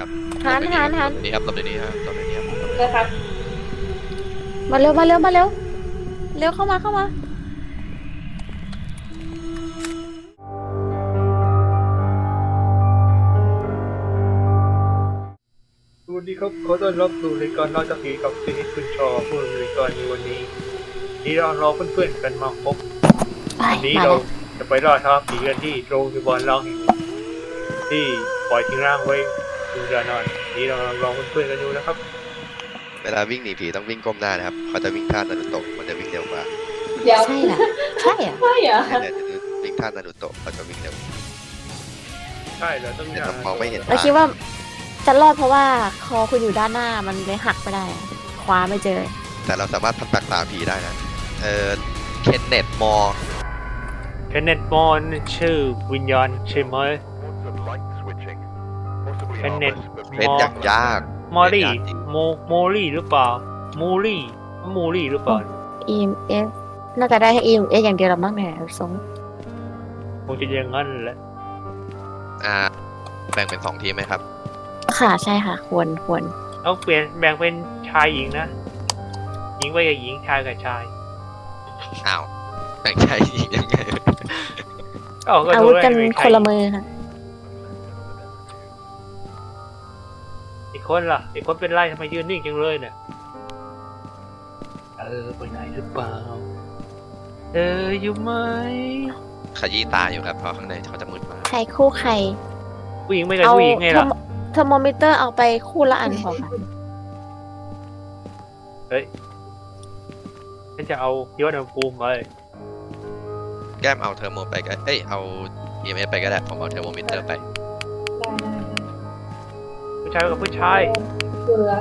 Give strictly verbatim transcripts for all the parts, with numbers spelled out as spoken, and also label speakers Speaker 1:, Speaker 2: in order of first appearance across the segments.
Speaker 1: ครับ
Speaker 2: หันหันหัน
Speaker 1: ตรงนี้ครับตรงนี้ครับตรงนี้ครับ
Speaker 3: เลยครับ
Speaker 2: มาเร็วมาเร็วมาเร็วเร็วเข้ามาเข้ามา
Speaker 4: สวัสดีครับขอต้อนรับสู่รายการเล่าจากผีกับซีนิสคุณชอผู้ดำเนินรายการในวันนี้ที่เรารอเพื่อนๆกันมาพบ
Speaker 2: ไป
Speaker 4: วันนี้
Speaker 2: มา
Speaker 4: เรา
Speaker 2: แล้ว
Speaker 4: จะไปล่าท้าผีกันที่โรงพยาบาลล้างแห่งหนึ่งที่ปล่อยทิ้งร่างไว้ดูดานอนนี้เรารอเพื่อนๆกันอยู่นะครับ
Speaker 1: เวลาวิ่งหนีผีต้องวิ่งก้มหน้านะครับเขาจะวิ่งท่านารุโตะมันจะวิ่งเร็วกว่า
Speaker 3: เดี๋ยว
Speaker 2: ใช่เหรอใช่เหรอ
Speaker 3: ใช่เหรอ
Speaker 1: เนี่ยเนี่ยวิ่งท่านารุโตะเขาจะวิ่งเร็ว
Speaker 4: ใช่เราต้อง
Speaker 1: แต่เรามองไม่เห็น
Speaker 2: เราคิดว่าจะรอดเพราะว่าคอคุณอยู่ด้านหน้ามันเลยหักไม่ได้อะคว้าไม่เจอ
Speaker 1: แต่เราสามารถทำตักตาผีได้นะเออเคนเนตมอร์
Speaker 4: เคนเนตมอนชื่อวิญญาณใช่ไหมเคนเนต
Speaker 1: เล่นอย่างยาก
Speaker 4: มอรี่
Speaker 1: เล่นยากจริง
Speaker 4: โมโมลี่หรือเปล่ามูลี่มูลี่หรือเปล่า
Speaker 2: อี เอ็ม เอฟ น่าจะได้แค่ อี เอ็ม เอฟ อย่างเดียวหรอมั้งเนี่ยทรง
Speaker 4: คงจะอย่างนั้นแหละ
Speaker 1: อ่าแบ่งเป็นสองทีมไหมครับ
Speaker 2: ค่ะใช่ค่ะควรควร
Speaker 4: เอาเปลี่ยนแบ่งเป็นชายหญิงนะหญิงไปกับหญิงชายกับชาย
Speaker 1: อ้าวแบ่งใจอีกยังไง
Speaker 4: เอ้าก็
Speaker 2: อา
Speaker 4: ดู
Speaker 2: วุธ
Speaker 4: ได้
Speaker 2: กัน
Speaker 4: ไม่ใคร
Speaker 2: คนละมือค่ะ
Speaker 4: อีกคนล่ะอีกคนเป็นไรทำไมยืนนิ่งจังเลยเนี่ยเออไปไหนหรือเปล่าเอออยู่ไหม
Speaker 1: ขยี้ตาอยู่ครับเพราะข้างในเขาจะมืดมาก
Speaker 2: ใครคู่ใคร
Speaker 4: ผู้หญิงไม่กับ
Speaker 2: เอา
Speaker 4: ผู้หญิงไงล่ะ
Speaker 2: เทอร์โมมิเตอร์เอาไปคู่ละอันพอค่ะ
Speaker 4: เฮ้ยฉันจะเอายอดอุณหภูมิไป
Speaker 1: แก้มเอาเทอร์โมไปก็เอ้ยเอา อี เอ็ม เอฟ ไปก็ได้ผมเอาเทอร์โมมิเตอร์ไป
Speaker 4: ผู้ชายกับผู้ชาย
Speaker 3: เกลือ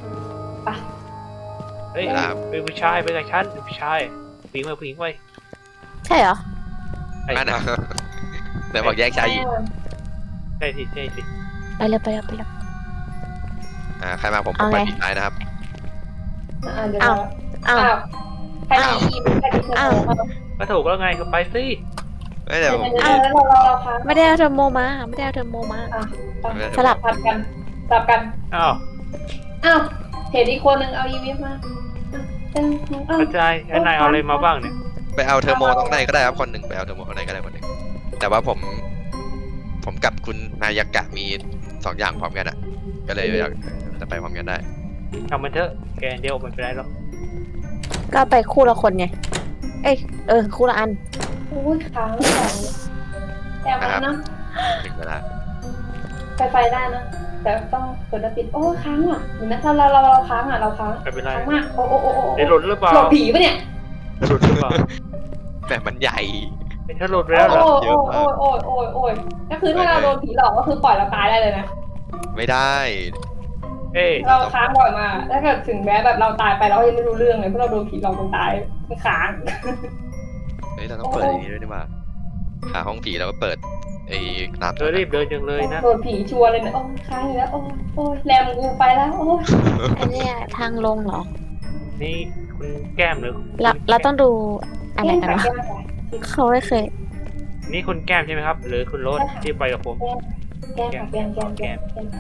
Speaker 4: เฮ้ยเป็นผู้ชายไปกับฉันเป็นผู้ชายผู้หญิงไปผู้หญิงไป
Speaker 2: ใช่เหรอ
Speaker 4: ไอ้
Speaker 1: นั่นนะแต่บอกแยกชายหญิง
Speaker 4: ใช่สิใช่สิ
Speaker 2: ไปเลยไปเลยไปเลย
Speaker 1: อ่าใครมาผมผ
Speaker 2: เอา
Speaker 1: ม
Speaker 2: ไง
Speaker 1: ไปปิดท้ายนะครับ
Speaker 3: อ่าเดี๋ยว
Speaker 2: อ้าว อ้าว
Speaker 3: ใครมีอีใครมีเทอร์
Speaker 2: อ้าว
Speaker 3: โม
Speaker 4: ก็ถูกแล้วไงก็ไปสิ
Speaker 1: เอ้ยเดี๋ยวผม
Speaker 3: เดี๋ยวเราเราเราค้าง
Speaker 2: ไม่ได้เอาเทอร์โมมาไม่ได้เอาเทอร์โมมา
Speaker 3: อ่ะ
Speaker 2: สลับ
Speaker 3: สลับกันสลับกัน
Speaker 4: อ้าว
Speaker 3: อ้าวเห็นอีกคนหนึ่งเอาอีวิฟมาอ้าวอ้าว
Speaker 4: กระจายไอ้นายเอาอะไรมาบ้างเนี่ย
Speaker 1: ไปเอาเทอร์โมตรงไหนก็ได้ครับคนหนึ่งไปเอาเทอร์โมตรงไหนก็ได้คนหนึ่งแต่ว่าผม ผมกับคุณนายากะมีสองอย่างพร้อมกันอ่ะ ก็เลยอยากจะไปพร้อมกันได้
Speaker 4: ทำมันเถอะแกเดียวไม่เป็นไรหรอก
Speaker 2: ก็ไปคู่ละคนไง เอ้ยเออคู่ละอัน
Speaker 3: โอ้ยค้างไม่ได้แต่มันนะ
Speaker 1: ถึงเวลา
Speaker 3: ไฟไฟได้นะ แต่ต้องเปิดแล้วปิดโอ้ค้างอ่ะเห็นไหมถ้าเราเราเราค้างอ่ะเราค้าง
Speaker 4: ไม่เป็นไร
Speaker 3: ค้างมากโอ้โอ้โอ้โอ้
Speaker 4: เดี๋ยวหลุดหรือเปล่า
Speaker 3: หลบผีปะเนี่ย
Speaker 4: หลุดหรือเปล่า
Speaker 1: แบบมันใหญ่
Speaker 4: เป็นถ้าหลุดไป
Speaker 3: โอ้
Speaker 4: แล้วเหรอ
Speaker 3: โอ้โอ้โอ้โอ้โอ้ยก็คือถ้าเราโดนผีหลอกก็คือปล่อยเราตายได้เลยนะ
Speaker 1: ไม่ได้
Speaker 4: เอ้ย
Speaker 3: เราค้างบ่อยมากถ้าเกิดถึงแม้แบบเราตายไปเรายังไม่รู้เรื่องเลยเพราะเราโดนผีหลอกจนตายไม่ค้าง
Speaker 1: เฮ้ยเราต้องเปิดอย่างนี้ด้วยนี่หว่าหาห้องผีแล้วก็เปิดไอ้น้ำ
Speaker 4: เธอรีบเดินจังเลยนะ
Speaker 3: โดนผีชัวร์เลยนะโอ้ค้างอีกแล้วโอ้โอ้ยแรมกูไปแล้วโอ้ย
Speaker 2: อันเนี้ยทางลงเหรอ
Speaker 4: นี่คุณแก้มหรือ
Speaker 2: เราเราต้องดูอะไรกัน
Speaker 3: แก้
Speaker 2: วะ
Speaker 3: มใส่
Speaker 2: เขาไม่เคย
Speaker 4: นี่คุณแก้มใช่ไหมครับ หรือคุณโรสที่ไปกับผม
Speaker 3: แก้มแก้มแก้มแก้มแก้มแก้ม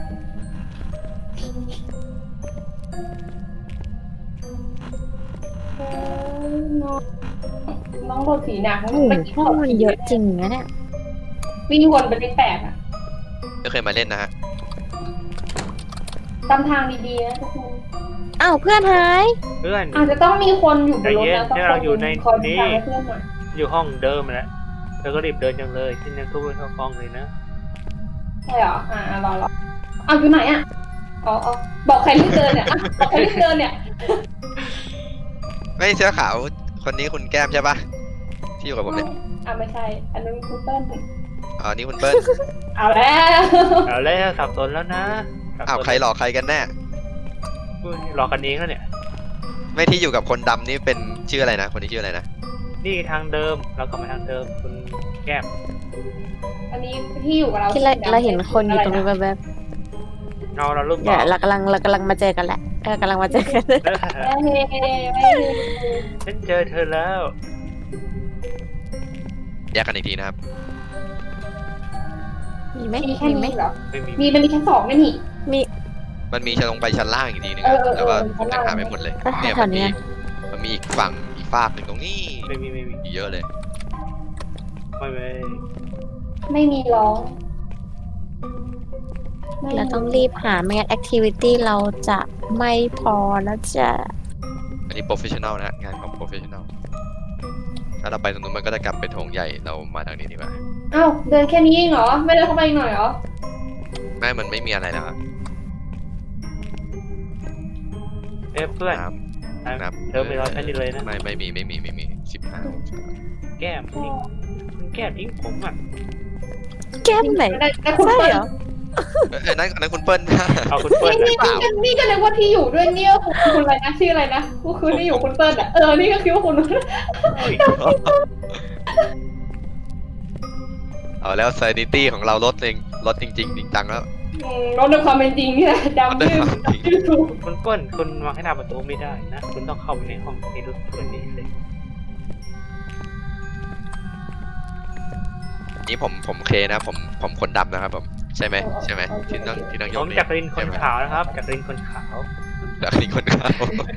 Speaker 3: น้องโดนผีหนัก
Speaker 2: โอ้โหห้องมันเยอะจริงนะเนี่ย
Speaker 3: วิ่งวนไปเป็นแปดอ่ะ
Speaker 1: ก็เคยมาเล่นนะฮะ
Speaker 3: ตามทางดีๆนะทุกคน
Speaker 2: อ้าวเพื่อนหาย
Speaker 4: เพื่อน
Speaker 3: อาจจะต้องมีคนอยู่บนรถนะ
Speaker 4: ใจเย็นเนี่ยเราอยู่ใน
Speaker 3: คอย
Speaker 4: นี้
Speaker 3: ทางให้เพื่อนหน่อย
Speaker 4: อยู่ห้องเดิมแหละเธอก็รีบเดินจังเลยที่นั่นทุกคนเข้าห้องเลยนะ
Speaker 3: ใช่เหรออ่ารอรอเอาอยู่ไหนอ่ะอ๋ออ๋อบอกใครรีบเดินเนี่ยอ่ะบอกใครรีบเดินเนี่ย
Speaker 1: ไม่เสื้อขาวคนนี้คุณแก้มใช่ปะที่อยู่กับผมเนี่ย
Speaker 3: อ่ะไม่ใช่ อันนั้นคุณเติ้ล
Speaker 1: อ๋อนี่คุณเปิ้ล
Speaker 3: เอาแล้ว
Speaker 4: เอาแล้วสับสนแล้วนะสับสน
Speaker 1: อ้าวใครหลอกใครกันแน่
Speaker 4: อุ้ยหลอกกันเองแล้วเนี่ย
Speaker 1: ไม่ที่อยู่กับคนดำนี่เป็นชื่ออะไรนะคนนี้ชื่ออะไรนะ
Speaker 4: นี่ทางเดิมเรากลับมาทางเดิมคุณแก้ม
Speaker 3: อันนี้ที่อยู่กับเรา
Speaker 2: ที่เราเราเห็นคนอยู่ตรงนี้นแบบ
Speaker 4: เงาเรารูป
Speaker 2: ๆ
Speaker 4: บ
Speaker 2: เดี๋
Speaker 4: อย ก
Speaker 2: วเรากำลังเรากำลังมาเจอกันแหละเออกำลังมาเจอกัน
Speaker 3: ไม่เฮ้ไม่เฮ้
Speaker 4: ฉันเจอเธอแล้ว
Speaker 1: แยกกันอีกทีนะครับ
Speaker 2: มีไหม
Speaker 3: มีแค่
Speaker 2: มีไหม
Speaker 3: นี้เหรอ
Speaker 4: ไม่มี
Speaker 3: มีมันมีชั้นสองไหมนี่
Speaker 2: มี
Speaker 1: มันมีชั้นลงไปชั้นล่างอีกทีนึง
Speaker 3: เอ
Speaker 1: อะ
Speaker 3: อเออ
Speaker 1: แต่ว่า
Speaker 3: เออ
Speaker 1: ผมยังหาไม่หมดเลย
Speaker 2: ก็
Speaker 1: เนี่ย
Speaker 2: แถ
Speaker 1: มัน
Speaker 2: วๆ
Speaker 1: มี
Speaker 2: เนี้ย
Speaker 1: มันมีอีกฝั่งอีกฝากหนึ่งตรงนี้
Speaker 4: ไม่มีไม่มี
Speaker 1: อีกเยอะเลย
Speaker 4: ไม่ไม่
Speaker 3: ไม่มีร้องไม่
Speaker 2: เราต้องรีบหาไม่งั้นแอคทิวิตี้เราจะไม่พอแล้วจะ
Speaker 1: อันนี้โปรเฟชชั่นแนลนะงานของโปรเฟชชั่นแนลถ้าเราไปตรงนู้นมันก็จะกลับไปโถงใหญ่เรามาทางนี้ดีกว่า
Speaker 3: อ้าวเดินแค่นี้เองเหรอไม่เดินเข้าไปอีกหน่อยเหรอ
Speaker 1: ไม่มันไม่มีอะไรแล้วอะ
Speaker 4: เอ้ยเพื่อน
Speaker 1: น้ำน้ำ
Speaker 4: เธอไม่รอฉันอยู่เลยนะ
Speaker 1: ไม่ไม่มีไม่มีไม่มีสิบห้า
Speaker 4: แก้มทิ้งมันแก้มทิ้งผมอ่ะ
Speaker 2: แก้มไหน
Speaker 3: ได้ได้คุณ
Speaker 2: ใช่
Speaker 3: เปิ้ล
Speaker 2: เหรอ
Speaker 1: เอ้ยนั่นนั่นคุณเปิ้ล
Speaker 4: เอาคุณเปิ้ล
Speaker 3: นี่นี่นี่นี่ก็เลยว่าที่อยู่ด้วยเนี่ยคุณคุณอะไรนะชื่ออะไรนะก็คือที่อยู่คุณเปิ้ลอ่ะเออนี่ก็คิดว่าคุณ
Speaker 1: เอาแล้ว sanity ของเราลดเองลดจริงๆจริงจังแล้ว
Speaker 3: อืมลดในความเป็นจริงนี่แหละจำชื่อชื่อถูก
Speaker 4: คุณเปิ้ลคุณวางให้หน้าประตูไม่ได้นะคุณต้องเข้าไปในห้องในรถเพื่อนนี้เลย
Speaker 1: นี่ผมผมเคนะผมผมคนดำนะครับผมใช่ไหมใช่ไหมที่นั่งที่นั่งย
Speaker 4: ผ
Speaker 1: อ
Speaker 4: ม
Speaker 1: งนี่
Speaker 4: จากรินคนขาวนะครับจากรินคนขาว
Speaker 1: จากรินคนขาว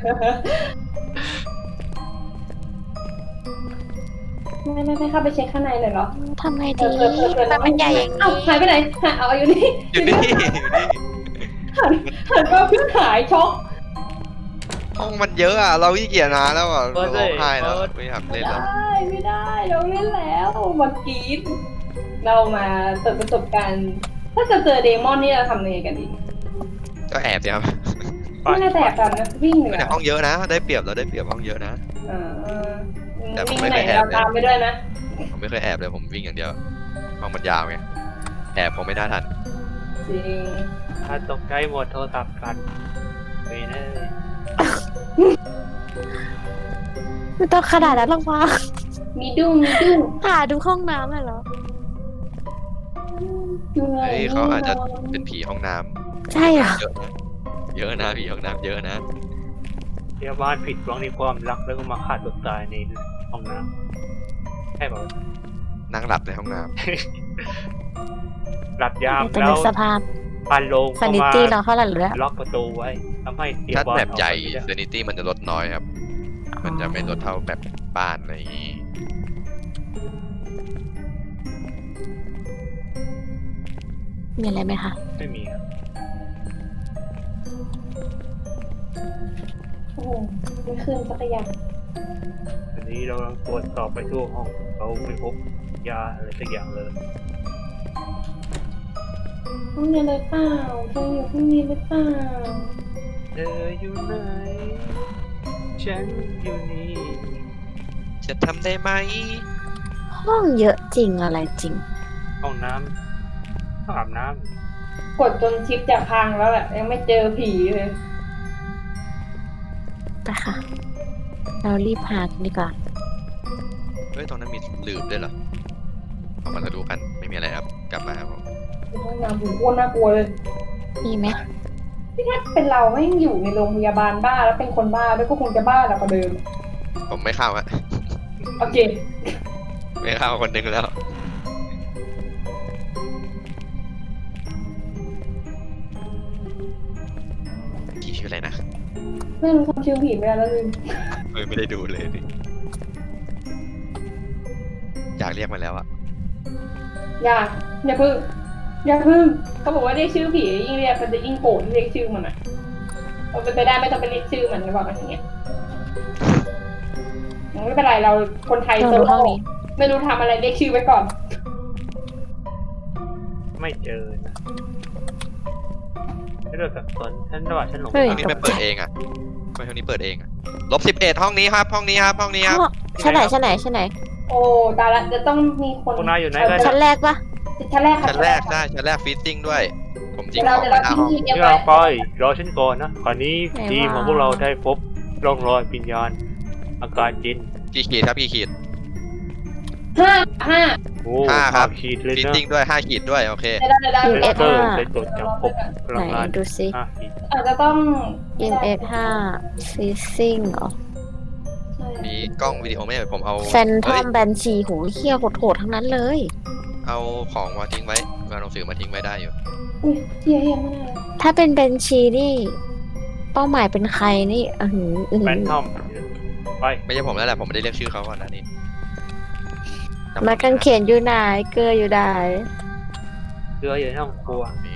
Speaker 3: ไม่ไม่ไม่เข้าไปเช็คข้างในเลยเหรอ
Speaker 2: ทำไง
Speaker 3: เอ
Speaker 2: ดี
Speaker 3: อเออเออเออ
Speaker 2: มันมันใหญ่อย่าง
Speaker 3: เอ้า
Speaker 2: นี้
Speaker 3: หายไปไหนหายเอาอยู่นี่
Speaker 1: อยู่นี่อยู่นี่
Speaker 3: หันมาเพิ่งหายช็อก
Speaker 1: ห้องมันเยอะอ่ะเราขี้เกียจนะแล้วอ่ะเราร้องไห้แล้วไม่อยาก
Speaker 3: ไม่
Speaker 1: เล่นแล้ว
Speaker 3: ได้ไม่ได้เราเล่นแล้วมากรีดเรามาเปิดประสบการณ์ถ้าจะเจอเดมอนนี่เราทำยังไงกันดี
Speaker 1: ก็แอบสิครับ
Speaker 3: ไม่น่าแตกกันนะวิ่งเหนื
Speaker 1: แต่
Speaker 3: อ
Speaker 1: ห้องเยอะนะ ได้เปรียบเราได้เปรียบห้องเยอะนะ
Speaker 3: อ่า
Speaker 1: แต่ผม
Speaker 3: วิ่ง
Speaker 1: ไม่
Speaker 3: ไปไหน
Speaker 1: เคยแอบ
Speaker 3: เราตามไปด้วยนะ
Speaker 1: ผมไม่เคยแอบเลยผมวิ่งอย่างเดียวห้องมันยาวไงแอบผมไม่น่าทัน
Speaker 3: จริง
Speaker 4: ถ้าตกใจหมดโทรศัพท์กันไปเลย
Speaker 2: ไม่ต้องขนาดนั้นหรอกวะ
Speaker 3: มีดุ้งมีดุ้ง
Speaker 2: หาดูห้องน้ำเลยเหรอ
Speaker 3: อยู่ไหน
Speaker 1: เฮ้ยเขาอาจจะเป็นผีห้องน้ำ
Speaker 2: ใช่เหรอ
Speaker 1: เยอะนะเยอะนะผีห้องน้ำเยอะนะ
Speaker 4: พยาบาลผิดหวังในความรักแล้วก็มาฆ่าตัวตายในห้องน้ำใช่ป่ะ
Speaker 1: นั่งหลับในห้องน้
Speaker 4: หลับยาม
Speaker 2: แต่
Speaker 4: แล้
Speaker 2: ใน
Speaker 4: ว
Speaker 2: สภาพ
Speaker 4: พันโลง
Speaker 2: ซา
Speaker 4: เข้า
Speaker 2: นิ
Speaker 4: มา
Speaker 2: ตี้เราเท่าไหร่เหลือ
Speaker 4: ล็อกประตูไว้ทำให้พ
Speaker 1: ำ
Speaker 4: ยา
Speaker 1: ถ้า
Speaker 4: บาล
Speaker 1: แบบใหญ่
Speaker 4: ออกไปไม่ได้
Speaker 1: sanity มันจะลดน้อยครับ มันจะไม่ลดเท่าแบบบ้านอะไรอย่างงี้
Speaker 2: มีอะไรไหมคะ
Speaker 4: ไม่มีครับ
Speaker 3: โอ้โหไม่ขึ้นสักอย่าง
Speaker 4: อันนี้เรากำลังตรวจสอบไปทั่วห้องเราไม่พบยาอะไรสักอย่างเลย
Speaker 3: ห้องนี้เลยเปล่าเธออยู่ห้องนี้หรือเปล่า
Speaker 4: เธออยู่ไหนฉันอยู่นี่
Speaker 1: จะทำได้ไหม
Speaker 2: ห้องเยอะจริงอะไรจริง
Speaker 4: ห้องน้ำห้องอาบน้
Speaker 3: กดจนชิปจะพังแล้วแหละยังไม่เจอผีเลย
Speaker 2: ไปค่ะ เรารีบหากันดีกว่า
Speaker 1: เฮ้ยตรงนั้นมีหลืบด้วยเหรอเอามาดูกันไม่มีอะไรครับกลับมาครับผม
Speaker 3: ห้องน้ำหูโคตรน่ากลัวเลย
Speaker 2: มีไหม
Speaker 3: ที่ถ้าเป็นเราไม่งอยู่ในโรงพยาบาลบ้าแล้วเป็นคนบ้าด้วยก็คงจะบ้าแล้วกว่าเดิม
Speaker 1: ผมไม่เข้าฮะ
Speaker 3: โอเค
Speaker 1: ไม่เข้าคนหนึ่งแล้วกี่ชื่ออะไรนะ
Speaker 3: ไม่รู้ทำชื่อผีไม่ได้แล้วลืม
Speaker 1: เฮ้ยไม่ได้ดูเลยดิอยากเรียกมันแล้วอะ
Speaker 3: อย่าอย่าพึ่งอย่าพึ่งเขาบอกว่าเรียกชื่อผียิ่งเรียกมันจะยิ่งโกรธที่เรียกชื่อมันอ่ะเราเป็นไปได้ไม่ต้องไปเรียกชื่อมันจะบอกกันอย่างเงี้ยไม่เป็นไรเราคนไทย
Speaker 2: เรา
Speaker 3: โซ
Speaker 2: ดู
Speaker 3: โล่
Speaker 2: ห้องนี้
Speaker 3: ไม่รู้ทำอะไรเรียกชื่อไว้ก่อน
Speaker 4: ำไม่เจอนะไม่เลิกกับตนฉันว่าฉันหลง
Speaker 2: เฮ้ย
Speaker 1: ห้องนี้ไม่เปิดเองอะไม่ห้องนี้เปิดเองอะลบสิบเอ็ดห้องนี้ครับ ห้องนี้ครับ ห้องนี้ครับ
Speaker 2: ห้องชั้นไหนชั้นไหนชั้นไหน
Speaker 3: โอ้ตายละจะต้องมีคน
Speaker 4: พวกนายอยู่ไหนกัน
Speaker 2: ชั้นแรกปะ
Speaker 3: ชั้นแรกค่ะ
Speaker 1: ชั้นแรกได้ชั้นแรกฟีซซิ่งด้วย ผมจริ
Speaker 3: เดี๋
Speaker 1: ง
Speaker 3: ยว
Speaker 1: ข
Speaker 3: เรา
Speaker 1: อง
Speaker 3: เดี๋ยว
Speaker 1: ไว้
Speaker 3: เรา
Speaker 1: หน้าห้อง
Speaker 3: ทิ้งทีเดียว
Speaker 4: ที่
Speaker 3: ไว้
Speaker 4: เราไปรอฉันก่อนนะคราวนี้ทีมของพวกเราได้พบร่องรอยวิญญาณอาการจิน
Speaker 1: กี่ขีดครับกี่ขีด
Speaker 3: ห้าห้า
Speaker 4: โอ้
Speaker 1: ห้าครับ
Speaker 4: ขีดเลย
Speaker 1: ฟีซ
Speaker 4: นะ
Speaker 1: ซิ่งด้วยห้าขีดด้วยโอเค
Speaker 3: เดี๋ยวเดี๋ยวเดี๋ยว
Speaker 2: ยิงเอ
Speaker 3: เดี๋ยว
Speaker 2: ส
Speaker 4: เอ
Speaker 2: ห้า
Speaker 4: อได้ตรวจจับพบพลั
Speaker 2: ไหน
Speaker 4: งงาน
Speaker 2: ดูซิ
Speaker 4: ห้าขีด
Speaker 3: อาจจะต้อง
Speaker 2: ยิงเอสห้าฟีซิ่งเหรอ
Speaker 3: ใช่
Speaker 1: มีกล้องวิดีโอไหมผมเอา
Speaker 2: แฟนทอ
Speaker 1: เฮ้ย
Speaker 2: มแบนชีโหเฮี้ยโหดๆทั้งนั้นเลย
Speaker 1: เอาของมาทิ้งไว้เอาหนังสือมาทิ้งไว้ได้อยู่
Speaker 3: อุ้ยเฮียเฮียมาก
Speaker 2: ถ้าเป็นเบนชีนี่ เป้าหมายเป็นใครนี่อือหืออือ
Speaker 4: แฟ
Speaker 2: หื
Speaker 4: น
Speaker 2: อ
Speaker 4: ทอมไป
Speaker 1: ไม่ใช่ผมแล้วแหละผมไม่ได้เรียกชื่อเขาก่อนนะนี่จำ
Speaker 2: ไม้กางเขนอยู่ไหนเกลืออยู่ไหน
Speaker 4: เรืออยู่ในห้องครัว
Speaker 1: นี่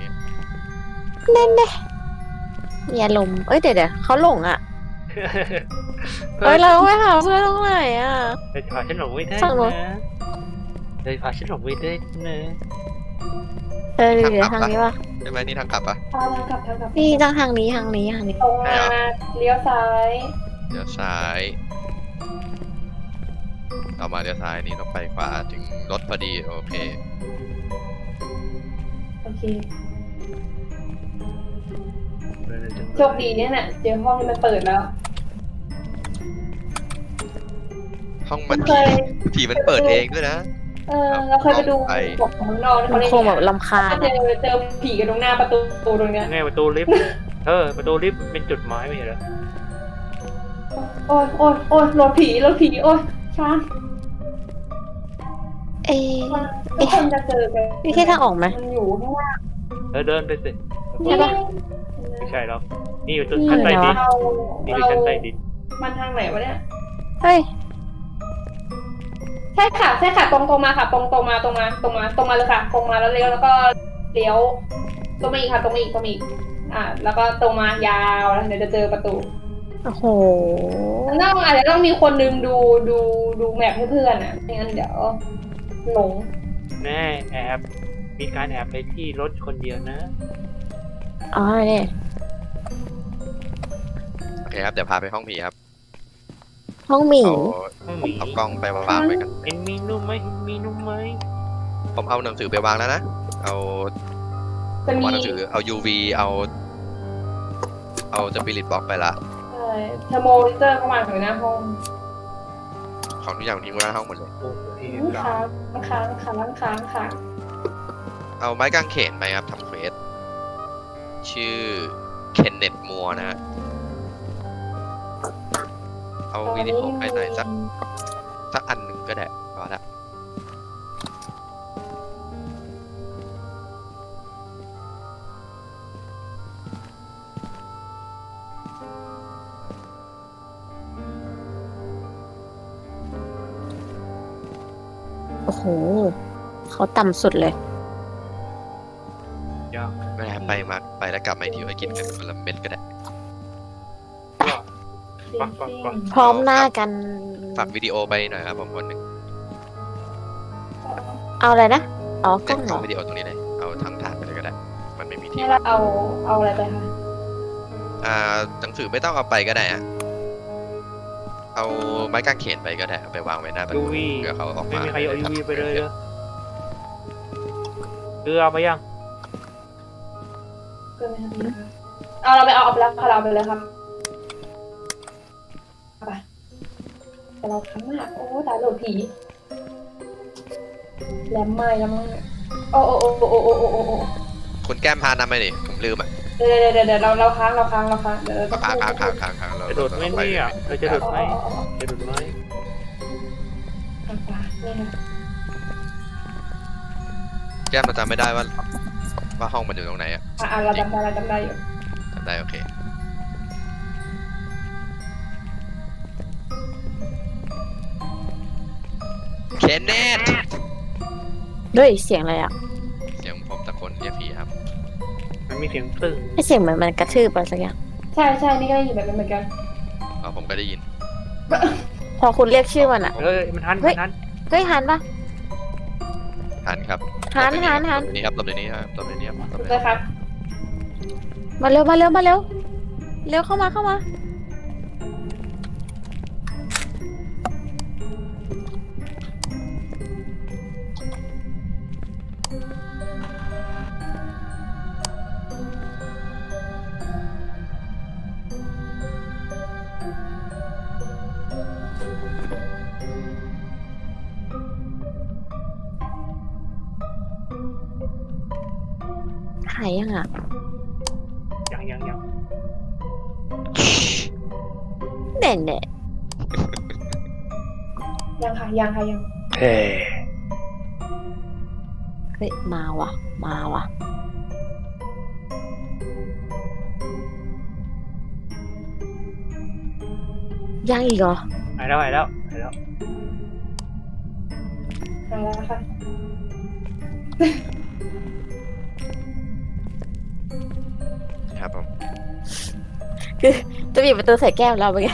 Speaker 2: มีอารมณ์เอ้ยเดี๋ยวเดี๋ยวเขาหลงอ่ะเอ้ยเราไปหาเพื่อนตรงไหนอ่ะ
Speaker 4: เลยพาฉันหลงไม่ได้
Speaker 2: สั่งรถ
Speaker 4: นะเลยพาฉันหลงไม่ได้นะ
Speaker 2: เออเดี๋ยวทางนี้วะ
Speaker 1: ใช่ไหมนี่ทางกลับปะ
Speaker 3: ทางกลับทางกลับ
Speaker 2: นี่ทางทางนี้ทางนี้ทางนี้
Speaker 3: ตรงมาเลี้ยวซ้าย
Speaker 1: เดี๋ยวซ้ายเรามาเดี๋ยวซ้ายนี่ต้องไปขวาถึงรถพอดีโอเค
Speaker 3: โอเคโชคดีเนี่ยน่ะเจอห้องที่มันเปิดแล้ว
Speaker 1: ห้องมัน
Speaker 3: เคย
Speaker 1: ผีมันเปิดเองด้วยนะ
Speaker 3: เออเราเคยไปดู
Speaker 1: ไป
Speaker 3: บอกของน้องๆ
Speaker 2: มัน
Speaker 3: เขาเล่น
Speaker 2: คงแบบลำคาญ
Speaker 3: ถ้าเจ
Speaker 2: อะ
Speaker 3: อเจอผีกันตรงหน้าประตูตรงเนี้ย
Speaker 4: ไงประตูลิฟต์เออประตูลิฟต์เป็นจุดหมายไม่ใช่เหรอ
Speaker 3: โอ้ยโอ้ยโอ้ยรถผีรถผีโอ้ยช้าง
Speaker 2: เอ๊ะ
Speaker 3: ทุกคนจะเจอกัน
Speaker 2: นี่แค่ทางออกไหม
Speaker 3: มันอยู่ข้างล่าง
Speaker 4: เออเดินไปสิ
Speaker 2: ใช่ปะ
Speaker 4: ไม่ใช่หรอกนี่อยู่จุดชั้นใต้ดิน
Speaker 3: เรา
Speaker 4: นี่คือชั้นใต้ดิน
Speaker 3: มันทางไหนวะเนี่ย
Speaker 2: เฮ้ย
Speaker 3: ใช่ค่ะใช่ค่ะตรงตรงมาค่ะตรงตรงมาตรงมาตรงมาตรงมาเลยค่ะตรงมาแล้วเลี้ยวแล้วก็เลี้ยวตรงมาอีกค่ะตรงมาอีกตรงมาอีกอ่า แล้วก็ตรงมายาวแล้วเดี๋ยวจะเจอประตู
Speaker 2: โอ้โห
Speaker 3: ต้องอาจจะต้องมีคนนึงดูดูดูแมพให้เพื่อนอ่ะไม่งั้นเดี๋ยวหลง
Speaker 4: แน่แอบมีการแอบไปที่รถคนเดียวนะ
Speaker 2: อ๋อเนี่ย
Speaker 1: โอเคครับเดี๋ยวพาไปห้องผีครับ
Speaker 2: ห้องหมี
Speaker 1: เอา
Speaker 4: ห้องห
Speaker 1: ผม
Speaker 4: มี
Speaker 1: เอากล้องไปวางไว้กัน
Speaker 4: เห็นมีนุ่มไหมเห็นมีนุ่มไหม
Speaker 1: ผมเอาหนังสือไปวางแล้วนะเอา
Speaker 3: จะมี
Speaker 1: วางหนังสือเอา ยู วี เอา เอาสปิริตบ็อกไปละ
Speaker 3: เอ่อเทอร์โมมิเตอร์เข้ามาถึงหน้าห้อง
Speaker 1: ของทุกอย่างทิ้งไว้หน้าห้องหมดเลย
Speaker 4: โอ้โหที่
Speaker 3: ค้างค้างค้างค้างค้าง
Speaker 1: เอาไม้กางเขนไปครับทำเควสชื่อเคนเนตมัวนะฮะเอาวิดีโอไปไหนสักสักอันหนึ่งก็ได้พอละ
Speaker 2: โอ้โห เขาต่ำสุดเลย
Speaker 4: ยาก
Speaker 1: ไม่ได้ไปมาไปแล้วกลับมาอีกทีไว้กินกันคนละเม็ดก็ได้
Speaker 4: ปักปักปัก
Speaker 2: พร้อมหน้ากัน
Speaker 1: ฝากวิดีโอไปหน่อยครับผมคนหนึ่ง
Speaker 2: เอาอะไรนะ อ๋อกล้องเหร
Speaker 1: เอา
Speaker 2: อ
Speaker 1: วิดีโอตรงนี้เลยเอาทั้งถาดไปเลยก็ได้ มันไม่มีที่
Speaker 3: นี่เราเอาเอาอะไรไปคะ
Speaker 1: อ่าหนังสือไม่ต้องเอาไปก็ได้อะเอาไม้กางเขนไปก็ได้เอาไปวางไว้หน้าประ
Speaker 4: ยู
Speaker 1: ตู
Speaker 4: วี
Speaker 1: เผื่อเขาออก
Speaker 4: ไม่
Speaker 1: มา
Speaker 4: มีใครเอายูวี
Speaker 1: ทำ
Speaker 4: ไปเลย
Speaker 1: ควส
Speaker 4: เหรอเรือเอาไปยัง
Speaker 3: เกินไหมคะเอาเราไปเอาเอาไปแล้วค่ะเราไปเลยครับเอาไปแต่เราทั้งมากโอ้ตายโหลดผีแหลมไหม้แล้วมั้งเนี่ยโอ้โอ้โอ้โอ้โอ้โอ้โอ้โอ้
Speaker 1: คุณแก้มพานำไปดิผมลืมอ่ะ
Speaker 3: เดี๋ยวเดี๋ยวเดี๋ยวเดี๋ยวเราเราค้างเราค้างเราค้างเดี๋ยวเรา
Speaker 1: ค้างค้างค้างค้างค้างเรา
Speaker 4: จะโดดไหมเนี่ยเราจะโดดไหม
Speaker 3: เอาเอาเอา
Speaker 4: จะโดดไหม
Speaker 3: เอาไปนี่ค่ะ
Speaker 1: แก้มเราจำไม่ได้ว่าว่าห้องมันอยู่ตรงไหนอ่ะ
Speaker 3: อ่ะอ่ะเราจำได้เราจำได้อยู่
Speaker 1: จำได้โอเคเคนเนต
Speaker 2: ด้วยเสียงอะไรอ่ะ
Speaker 1: เสียงผมตะโกนเรียกผีครับ
Speaker 4: มันมีเสียงตึ้ง
Speaker 2: ไอเสียงเหมือนมันกระทืบอะไรสักอย่าง
Speaker 3: ใช่ใช่นี่ก็ได้ยินแบบนั้นเหมือนกัน
Speaker 1: อ๋อผมก็ได้ยิน
Speaker 2: พอคุณเรียกชื่อมันอ่ะ
Speaker 4: เฮ้ยมันทัน
Speaker 2: เฮ้
Speaker 4: มั
Speaker 2: ย
Speaker 4: นทัน
Speaker 2: เฮ้ยหันปะ
Speaker 1: หันครับ
Speaker 2: หันหันหัน
Speaker 1: หลบเดี๋ยวนี้ครับหลบเดี๋ยวนี้ครับหลบเดี๋ยวนี้ครับหลบ
Speaker 3: ถูก
Speaker 1: เดี๋ยว
Speaker 3: ไหม
Speaker 1: นี้
Speaker 3: ครับ
Speaker 2: มาเร็วมาเร็วมาเร็ว เร็วเข้ามาเข้ามา หายยังอ่ะ
Speaker 4: ยังยังยัง
Speaker 2: เน่เน่
Speaker 3: ยังค่ะยังค่ะยัง
Speaker 4: เฮ้
Speaker 2: เฮ้ยมาว่ะ มาว่ะยังอีกเหรอ
Speaker 4: หายแล้วหายแล้วหายแล้ว
Speaker 3: ทางแล้วค่ะ
Speaker 1: ครับผม
Speaker 2: จะบีบประตูใส่แก้มเราไปไง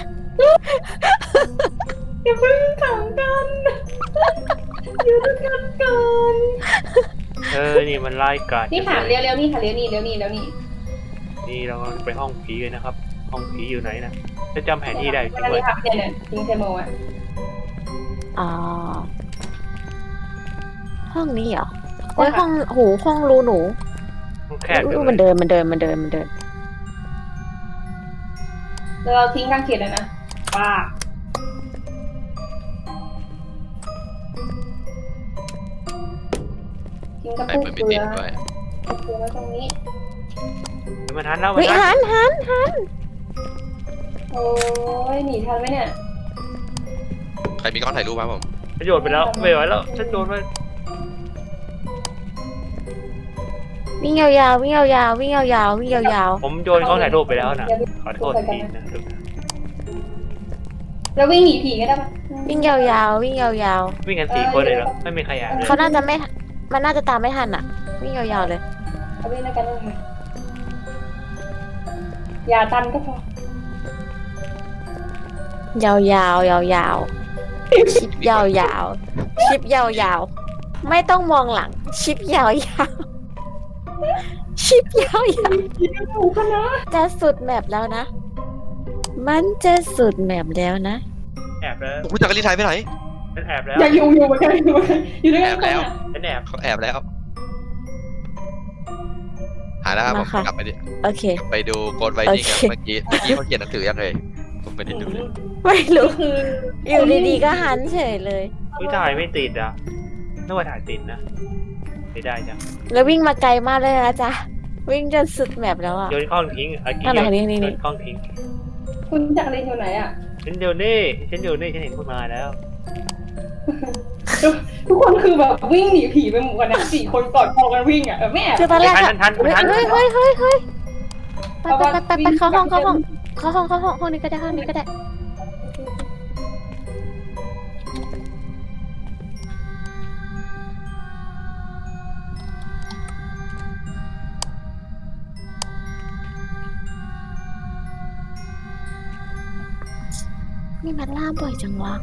Speaker 3: อย่าเพิ่งขังกันอยู่ด้วยกันก่อน
Speaker 4: เออนี่มันไล่กัด
Speaker 3: นี่ค่ะเร็วเร็วๆนี่ค่ะเร็วนี่เร็วนี่เร็วนี่
Speaker 4: นี่เราไปห้องผีเลยนะครับ ห้องผีอยู่ไหนนะจะจำแผนที่ได้จริง
Speaker 3: อัน
Speaker 4: ด้ว
Speaker 3: นี้
Speaker 4: ย
Speaker 3: ค่ะเนี่ยเนี่ยทิ้งเทโมอ่ะ
Speaker 2: อ๋อ ห้องนี้เหรอโอ้ยห้องโหห้องรูหนู
Speaker 4: มันแคบ
Speaker 2: อุ๊ย
Speaker 4: จัง
Speaker 2: มัน
Speaker 4: เลย
Speaker 2: เดินมันเดินมันเดินมันเดิน
Speaker 3: แล้วเราทิ้งกางเขนเลยนะป้าทิ้งกระ
Speaker 1: ไป
Speaker 3: ปุก
Speaker 1: มัน
Speaker 3: เก
Speaker 1: ไม่
Speaker 3: ลื
Speaker 1: ติ
Speaker 3: อ
Speaker 1: ดด้วย
Speaker 3: เกลือไว้ตรงนี้
Speaker 4: มันทันแล้วมั
Speaker 2: เฮ้
Speaker 4: น
Speaker 2: ย
Speaker 4: ทั
Speaker 2: หั
Speaker 4: น
Speaker 2: นหันหัน
Speaker 3: โอ้ยหนีทันไหมเนี่ย
Speaker 1: ใครมีกล้องถ่ายรูปครับผม
Speaker 4: ฉันโยนไปแล้วไม่ไหวแล้วฉันโยนไป
Speaker 2: วิ่งยาวๆวิ่งยาวๆวิ่งยาวๆวิ่งยาว
Speaker 4: ผมโยนกล้องถ่ายรูปไปแล้วนะขอโทษทีนะทุกท่าน
Speaker 3: แล้ววิ่งหนีผีก็ได้ปะ
Speaker 2: ๆวิ่งยาวๆวิ่งยาว
Speaker 4: วิ่งกันสี่คนเลยเหรอไม่มีใครแอบเลย
Speaker 2: ๆเขาน่าจะไม่ มันน่าจะตามไม่ทันอ่ะ วิ่งยาวๆเลย
Speaker 3: เอาวิ่งด้วยกันเลยค่ะอย่าตันก็พอย
Speaker 2: าวยาวยาวยาวๆชิปยาวยาวๆชิปยาวยาวๆไม่ต้องมองหลัง ชิปยาวยาวๆชิปยาวยาว
Speaker 3: ผีก็ถูกกันนะ
Speaker 2: ๆจะสุดแมปแล้วนะ มันจะสุดแมปแล้วนะ
Speaker 4: แอบแล้ว
Speaker 1: คุณจักรีนหายไปไหน
Speaker 4: ฉันแอบแล้ว
Speaker 3: อย่าอยู่อยู่เหมือนกันอยู่เหมือนกันอยู่ด้วยกัน
Speaker 1: แอบแล้ว
Speaker 4: ฉันแอบ
Speaker 1: เขาแอบแล้ว หายแล้วครับผม
Speaker 2: มาค่ะ
Speaker 1: กลับไปดิ
Speaker 2: โอเค
Speaker 1: ไปดูโกดไวนิ่ง
Speaker 2: โอ
Speaker 1: ครับ
Speaker 2: เค
Speaker 1: เมื่อกี้เมื่อกี้เขาเขียนหนังสือยังเลยผมไม่ได้ดูเลย
Speaker 2: ไม่
Speaker 3: ก็
Speaker 2: รู้
Speaker 3: คือ
Speaker 2: อยู่ดีๆก็หันเฉยเลย
Speaker 4: วิถ่ายไม่ติดอ่ะนึกว่าถ่ายติดนะไม่ได้จ้ะ
Speaker 2: แล้ววิ่งมาไกลมากเลยนะจ๊ะ วิ่งจนสุดแมปแล้วอ่ะ
Speaker 4: โยนกล้องทิ้งเมื่อกี้
Speaker 2: นั่นแหละนี่นี่
Speaker 4: โย
Speaker 2: นี่
Speaker 4: นกล้องทิ้ง
Speaker 3: คุณจักรีนอยู่ไหนอ่ะ
Speaker 4: ฉันเดี๋ยวนี่ฉันเดี๋ยวนี่ฉันเห็นคุณมาแล้ว
Speaker 3: ทุกคนคือแบบวิ่งหนีผีไปหมดนะสี่คนกอดคอกันวิ่งอ่ะเออไม่แอบ
Speaker 2: คือตอนแรก
Speaker 4: ทั
Speaker 2: อะ
Speaker 4: นทันทัน
Speaker 2: เฮ้ย
Speaker 4: ทัน
Speaker 2: เฮ้ยเฮ้ยเฮ้ยเฮ้ยไปไปไปไปเข้าห้องเข้าห้องเข้าห้องเข้าห้องห้องนี้ก็ได้ห้องนี้ก็ได้ นี่มันล่าบ่อยจังวะ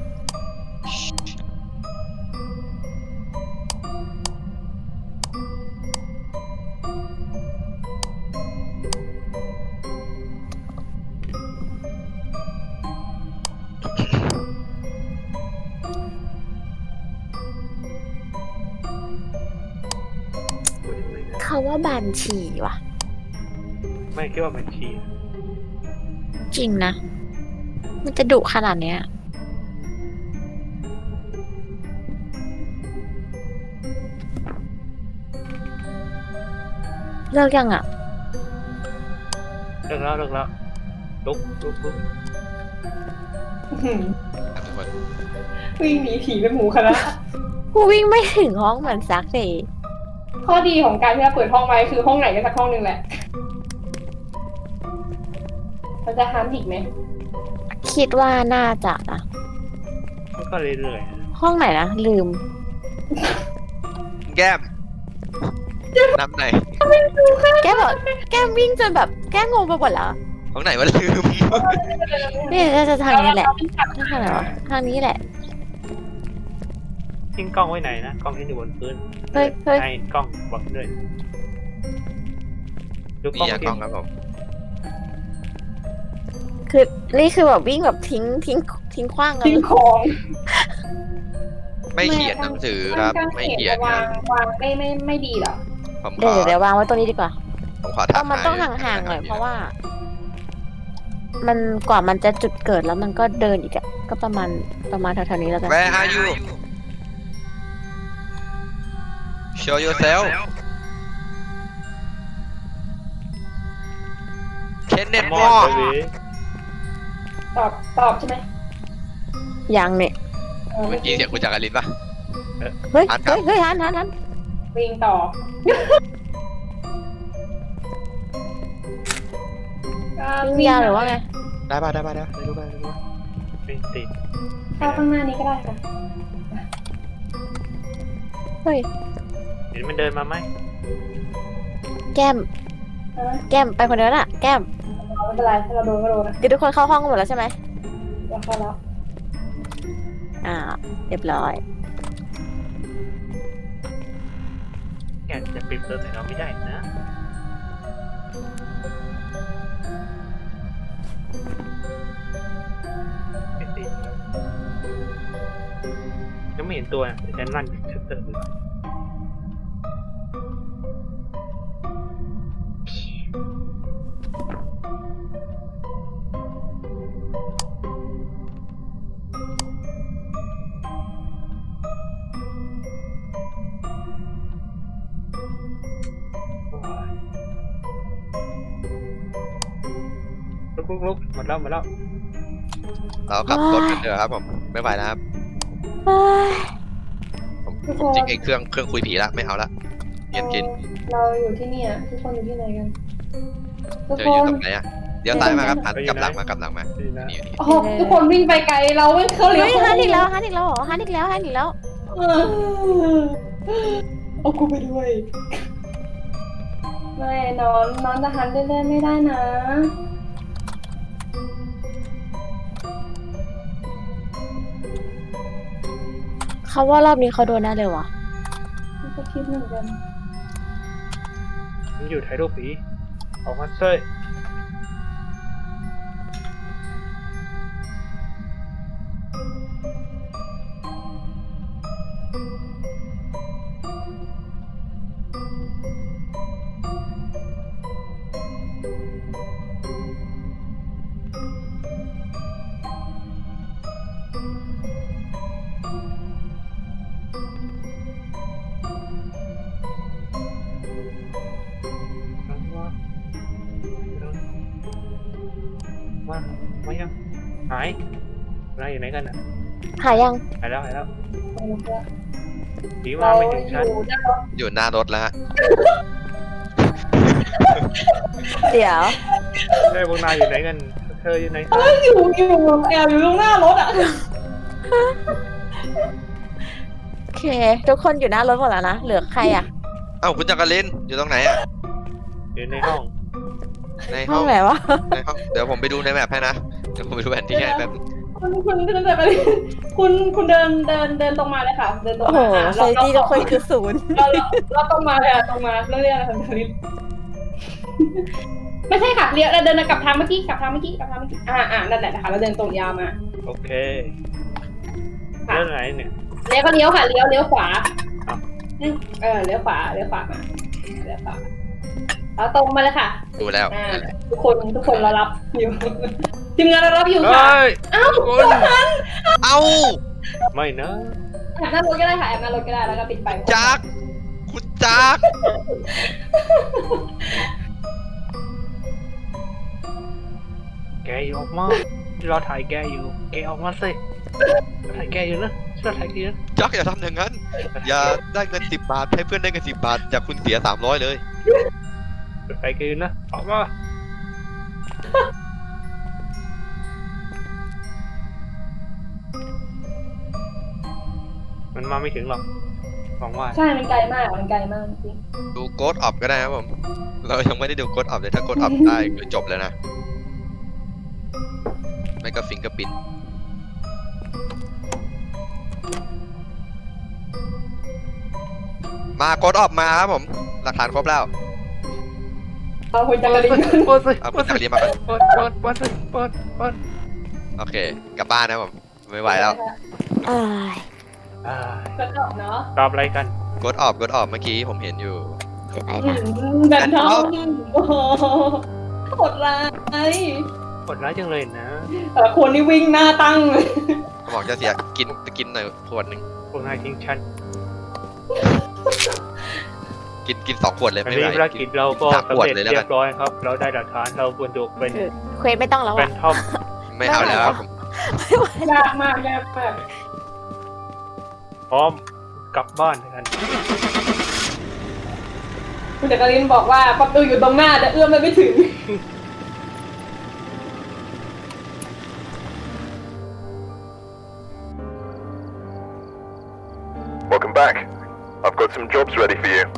Speaker 2: เขาว่าบานฉี่ว่ะ
Speaker 4: ไม่คิดว่ามันฉี่
Speaker 2: จริงนะ มันจะดุขนาดเนี้ย เลิกยังอ่ะ
Speaker 4: เลิกแล้วเลิกแล้วลุกลุกลุก
Speaker 3: อื้อหือ
Speaker 1: ครับทุกคน
Speaker 3: วิ่งหนีผีไปหมู่คณะ
Speaker 2: กูวิ่งไม่ถึงห้องเหมือนซักเลย
Speaker 3: ข้อดีของการที่เราเปิดห้องไว้คือห้องไหนก็สักห้องหนึ่งแหละมันจะฮันอีกไหม
Speaker 2: คิดว่าน่าจะนะ
Speaker 4: มันก็เรื่อยๆนะ
Speaker 2: ห้องไหนนะ ลืม
Speaker 1: แก้มน้ำไหน
Speaker 2: แกบอกแกวิ่งจนแบบแกงงไปหมดแล้ว
Speaker 1: ของไหนวะลืม
Speaker 2: นี่น่าจะทางนี้แหละทางไหนวะทางนี้แหละ
Speaker 4: ทิ้งกล้องไว้ไหนนะกล้องที่อยู่บนพื้น
Speaker 2: เฮ้ยเฮ้ย
Speaker 4: ให้กล้องบอกด้วยดูก
Speaker 1: นี่
Speaker 4: ล้อง
Speaker 1: อะก
Speaker 4: ที่
Speaker 1: ล้องครับผม
Speaker 2: คือนี่คือแบบวิ่งแบบทิ้งทิ้งทิ้งขว้างกัน
Speaker 3: ทิ้งของ
Speaker 1: ไม่เขียนหนังสือครับ ไม่เขียน
Speaker 3: วา
Speaker 1: นะ
Speaker 3: งวางไม่ไม่ไม่ดีเหรอ
Speaker 1: ผมข
Speaker 2: เดี๋ยว
Speaker 1: อ
Speaker 2: เดี๋ยววางไว้ตรงนี้ดีกว่า
Speaker 1: ผมขอ
Speaker 2: ต้
Speaker 1: ทั
Speaker 2: อก งมันต้อง
Speaker 1: ทย
Speaker 2: ห่างๆหน่อยเพราะว่า มันกว่ามันจะจุดเกิดแล้วมันก็เดินอีกอะก็ประมาณประมาณแถวๆนี้แล้วกัน
Speaker 1: Where are you Show yourself Kenneth
Speaker 4: มอ
Speaker 1: Moore
Speaker 4: ดเลย
Speaker 3: ตอบตอบใช่ไหม
Speaker 2: ยังเนี่ย
Speaker 3: เออ
Speaker 1: เมื่อกี้เสียงคุณจักรินปะ
Speaker 2: เฮ้ย
Speaker 1: หันกลั
Speaker 2: เฮ้
Speaker 1: บ
Speaker 2: ยเฮ้ยหันหันหัน
Speaker 3: วิ่งต่อ
Speaker 2: วิ่งยาวหรือว่าไง
Speaker 1: ได้ป่ะได้ป่ะได้ได้รู้ป่ะได้รู้ป่ะ
Speaker 4: ไม่ติด
Speaker 3: เข้าข้างหน้านี้ก็ได้ค่ะ
Speaker 2: เฮ้ย
Speaker 4: เห็นมันเดินมาไหม
Speaker 2: แก้ม
Speaker 3: อ่ะ
Speaker 2: แก้มไปคนเดียวน่ะแก้ม
Speaker 3: ไม่เป็นไรถ้าเราโดนก็โดนนะ
Speaker 2: คือทุกคนเข้าห้องกันหมดแล้วใช่ไหม
Speaker 3: เดี๋ยวเข้าแล้ว
Speaker 2: อ่าเรียบร้อย
Speaker 4: แกจะปิดเปิดใส่เราไม่ได้นะไม่ติดยังไม่เห็นตัวนะแต่ฉันลั่นชัตเตอร์ดูลุกลุกลุกหมดแล้วหมดแล้ว
Speaker 1: เราขับรถกันเถอะครับผมไม่ไหวแล้วครับ
Speaker 2: เฮ้ย
Speaker 1: ผมผมจริงไอ้เครื่องเครื่องคุยผีละไม่เอาละเย็นกิน
Speaker 3: เราอยู่ที่นี่อ่ะทุกคนอยู่ที่ไหนกันทุก
Speaker 1: เจอ
Speaker 3: ค
Speaker 1: อยู่
Speaker 3: น
Speaker 1: ตรงไหนอ่ะเดี๋ยวซ้ายมาครับหันกลับหลังมากลับหลังมา
Speaker 4: ดีนะ
Speaker 1: นี่นี่
Speaker 3: โอ้โหทุกคนวิ่งไปไกลเราไม่เข้าเลี้ยว
Speaker 2: เฮ้ยฮันอีกแล้วฮันอีกแล้วเหรอฮันอีกแล้วฮันอีกแล้ว
Speaker 3: เออเอากูไปด้วยไม่นอนนอนจะหันเล่นๆไม่ได้นะ
Speaker 2: เขาว่ารอบนี้เขาโดนแน่เลยวะ
Speaker 3: มันก็คิดเหมือนกัน
Speaker 4: มันอยู่ถ่ายรูปผีออกมาเซย มา มายัง หายนายอยู่ไหนกันอ่ะ
Speaker 2: หายยัง
Speaker 4: หายแล้วหายแล้ว
Speaker 3: เอาละครับ
Speaker 4: ผีมา
Speaker 3: เรา
Speaker 4: ไม่
Speaker 3: อ
Speaker 4: ถึงฉัน
Speaker 3: ยู่ด้านรถ
Speaker 1: อยู่หน้ารถแล้วฮะ
Speaker 2: เดี๋ยว
Speaker 4: เฮ้ยพวกนายอยู่ไหนกัน เธออยู่ไหนกัน
Speaker 3: อยู่อยู่แอบอยู่ตรงหน้ารถอ่ะ
Speaker 2: โอเค ทุกคนอยู่หน้ารถหมดแล้วนะเหลือใครอ่ะ
Speaker 1: เอ้าคุณจักรินอยู่ตรงไหนอ่ะ
Speaker 4: อยู่ในห้อง
Speaker 1: ใน
Speaker 2: ห้
Speaker 1: ห้
Speaker 2: อ
Speaker 1: อง ง
Speaker 2: ไหนวะ
Speaker 1: ในห้องเดี๋ยวผมไปดูในแมพให้นะเดี๋ยวผมไปดูแผนที่ให้แป๊บนึง
Speaker 3: คุณคุณเดินไปคุณคุณเดินเดินเดินตรงมาเลยค่ะ เดินตรง
Speaker 2: โอ้โห
Speaker 3: มาอ่ะ
Speaker 2: เซฟตี้ทุกคนคือศูนย์
Speaker 3: เราเราเราตรงมาเลยอ่ะตรงมาเรื่องเรื่องอะไรของทริปไม่ใช่ค่ะเลี้ยวเราเดินกลับทางเมื่อกี้กลับทางเมื่อกี้กลับทางเมื่อกี้อ่าอ่านั่นแหละนะคะเราเดินตรงยาวมา
Speaker 4: โอเค
Speaker 3: ค่ะ
Speaker 4: แล้วไหนเนี่ย
Speaker 3: เลี้ยวก็เลี้ยวค่ะเลี้ยวเลี้ยวขวา
Speaker 4: ครับ
Speaker 3: เออเลี้ยวขวาเลี้ยวขวามาเลี้ยวขวาเราตรงมาเลยค่ะ
Speaker 1: ดูแล้ว
Speaker 3: อ่า
Speaker 1: นั่นแหละ
Speaker 3: ทุกคนทุกคนเรารับอยู่ ทีมงานเรารับอยู่ค่ะ
Speaker 4: เฮ้ย
Speaker 3: เอ้า
Speaker 4: คุณ
Speaker 1: เอ้า
Speaker 4: ไม่นะ
Speaker 3: แอบหน้ารถก็ได้ค่ะแอบหน้ารถก็ได้แล้วก็ปิดไฟ
Speaker 1: จักคุณจัก
Speaker 4: แกอยู่ออกมาเราถ่ายแกอยู่ แกออกมาสิเราถ่ายแกอยู่นะเราถ่ายแกอยู่นะ
Speaker 1: จักอย่าทำอย่างนั้น อย่าได้เงินสิบบาทให้เพื่อนได้เงินสิบบาทจากคุณเสียสามร้อยเลย
Speaker 4: เราถ่ายแกอยู่นะ ออกมา มันมาไม่ถึงหรอกหวังว่า
Speaker 3: ใช่มันไกลมากมันไกลมากจริง
Speaker 1: ดูโกดออฟก็ได้ครับผม เรายังไม่ได้ดูโกดออฟเลยถ้าโกดออฟได้คือจบแล้วนะ ไม่ก็ฟิงเกอร์ปินมาโกดออฟมาครับผม หลักฐานครบแล้ว
Speaker 3: เอาคุณจักริน
Speaker 4: เปิดสิ
Speaker 1: เอา
Speaker 4: เปิ
Speaker 1: คุณ
Speaker 4: ด
Speaker 1: จัก
Speaker 4: สิ
Speaker 1: รีนมาก่อน
Speaker 4: เปิดเปิดเปิดสิเปิดเปิด
Speaker 1: โอเค กลับบ้านนะผม ไม่ไหวแล้ว
Speaker 2: อ้าย
Speaker 4: อ่า
Speaker 3: ก็จบเนาะ
Speaker 4: ตอบอะไรกัน
Speaker 1: โกดออฟโกดออฟเมื่อกี้ผมเห็นอยู่
Speaker 2: เสียดาย
Speaker 3: อื
Speaker 2: นะ
Speaker 3: มแบนทอมโอ้โหโหดร้าย
Speaker 4: กดร้ายจังเลยนะ
Speaker 3: แต่ละคนนี่วิ่งหน้าตั้งเลย
Speaker 1: เขาบอกจะเสียกินกินหน่อยขวดหนึ่ง
Speaker 4: พวกนายทิ้งฉัน
Speaker 1: กินกินสองขวดเลย
Speaker 4: อัน
Speaker 1: ไม่
Speaker 4: นี้
Speaker 1: ไหว
Speaker 4: ภารกิจเราก็
Speaker 1: สาม
Speaker 4: สำ
Speaker 1: ขวด
Speaker 4: เร็จ
Speaker 1: เลยแล้ว
Speaker 4: เรี
Speaker 1: กั
Speaker 4: ย
Speaker 1: น
Speaker 4: บร้อยครับ เราได้หลักฐานเราบรรจุเป็น
Speaker 2: คือเควสไม่ต้องแล้ว
Speaker 4: เป็
Speaker 2: อ่ะ
Speaker 4: นท่อม
Speaker 1: ไม่เอาแล้วครับผม
Speaker 3: ยากมากยากมาก
Speaker 4: พร้อมกลับบ้านกัน
Speaker 3: คุณจักรินบอกว่าประตูอยู่ตรงหน้าแต่เอื้อมไปไม่ถึง
Speaker 5: I've got some jobs ready for you.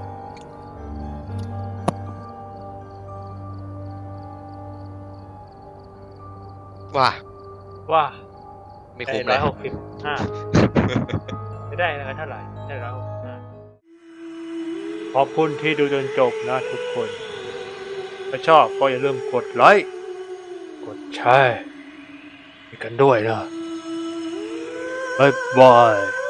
Speaker 1: ว่า
Speaker 4: ว่า
Speaker 1: ไม่
Speaker 4: ได้
Speaker 1: คุ้มเล
Speaker 4: ร้อย ยหกสิบห้าไม่ได้นะเท่าไหร่ได้ร้อยหกสิบห้าขอบคุณที่ดูจนจบนะทุกคนถ้าชอบก็อย่าลืมกดไลค์กดแชร์ให้กันด้วยนะบ๊ายบาย